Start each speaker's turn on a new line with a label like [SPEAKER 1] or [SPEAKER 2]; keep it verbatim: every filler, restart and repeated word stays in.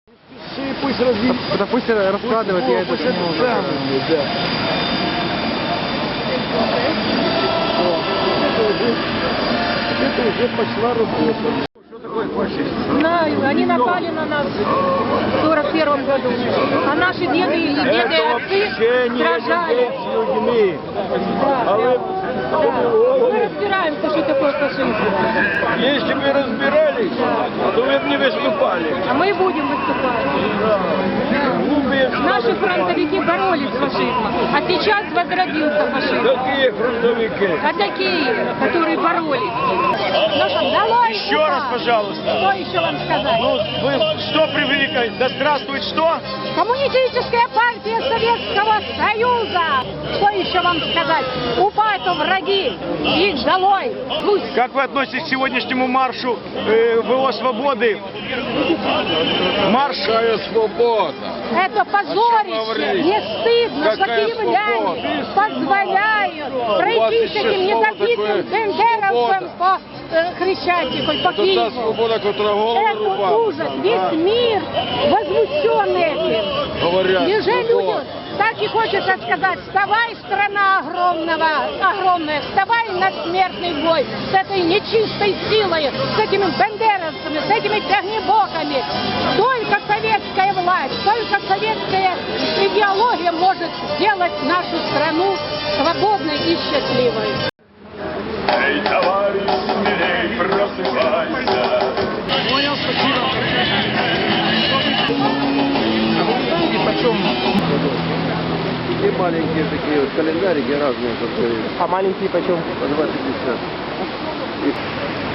[SPEAKER 1] Пусть разве...
[SPEAKER 2] Да пусть раскладывает, я это
[SPEAKER 1] самое, да. Это уже пошла работа. Что такое фашист?
[SPEAKER 3] Знаю, они напали на нас в сорок первом году. А наши деды и деды и отцы сражались.
[SPEAKER 1] С людьми.
[SPEAKER 3] Да,
[SPEAKER 1] А вы...
[SPEAKER 3] да. Мы разбираемся, что такое фашизм.
[SPEAKER 1] Если бы разбирались, то вы бы не выступали.
[SPEAKER 3] А мы будем выступать.
[SPEAKER 1] Глупые
[SPEAKER 3] Наши фронтовики боролись с фашизмом, а сейчас возродился фашизм.
[SPEAKER 1] Какие фронтовики?
[SPEAKER 3] А такие, которые боролись. Ну что, долой
[SPEAKER 4] Еще раз,
[SPEAKER 3] УПА.
[SPEAKER 4] пожалуйста.
[SPEAKER 3] Что еще вам сказать?
[SPEAKER 4] Ну, вы что привыкли? Да здравствует что?
[SPEAKER 3] Коммунистическая партия Советского Союза! Что еще вам сказать? УПА это враги! Их долой! Пусть!
[SPEAKER 4] Как вы относитесь к сегодняшнему маршу э, ВО Свободы? Марш...
[SPEAKER 1] Какая свобода?
[SPEAKER 3] Это позорище! Не стыдно, что
[SPEAKER 1] Какая
[SPEAKER 3] киевляне
[SPEAKER 1] свобода?
[SPEAKER 3] позволяют пройти с
[SPEAKER 1] еще
[SPEAKER 3] этим
[SPEAKER 1] слово
[SPEAKER 3] недобитым
[SPEAKER 1] такое
[SPEAKER 3] бендеровцем
[SPEAKER 1] свобода.
[SPEAKER 3] по э, Хрещатику, по
[SPEAKER 1] Это та
[SPEAKER 3] Киеву.
[SPEAKER 1] свобода, которая голову
[SPEAKER 3] Это
[SPEAKER 1] рубала.
[SPEAKER 3] ужас! Весь мир возмущен этим!
[SPEAKER 1] Говорят,
[SPEAKER 3] Неужели
[SPEAKER 1] свобода.
[SPEAKER 3] люди, так и хочется сказать, вставай, страна огромного, огромная, вставай на смертный бой с этой нечистой силой, с этими бендеровцами, с этими тягнебоками. Только советская власть, только советская идеология может сделать нашу страну свободной и счастливой.
[SPEAKER 4] Эй, товарищ, смелей, просыпайся.
[SPEAKER 2] Понял, спасибо. Знаете, почем?
[SPEAKER 1] И маленькие такие вот календарики разные.
[SPEAKER 2] А маленькие почем?
[SPEAKER 1] По два пятьдесят.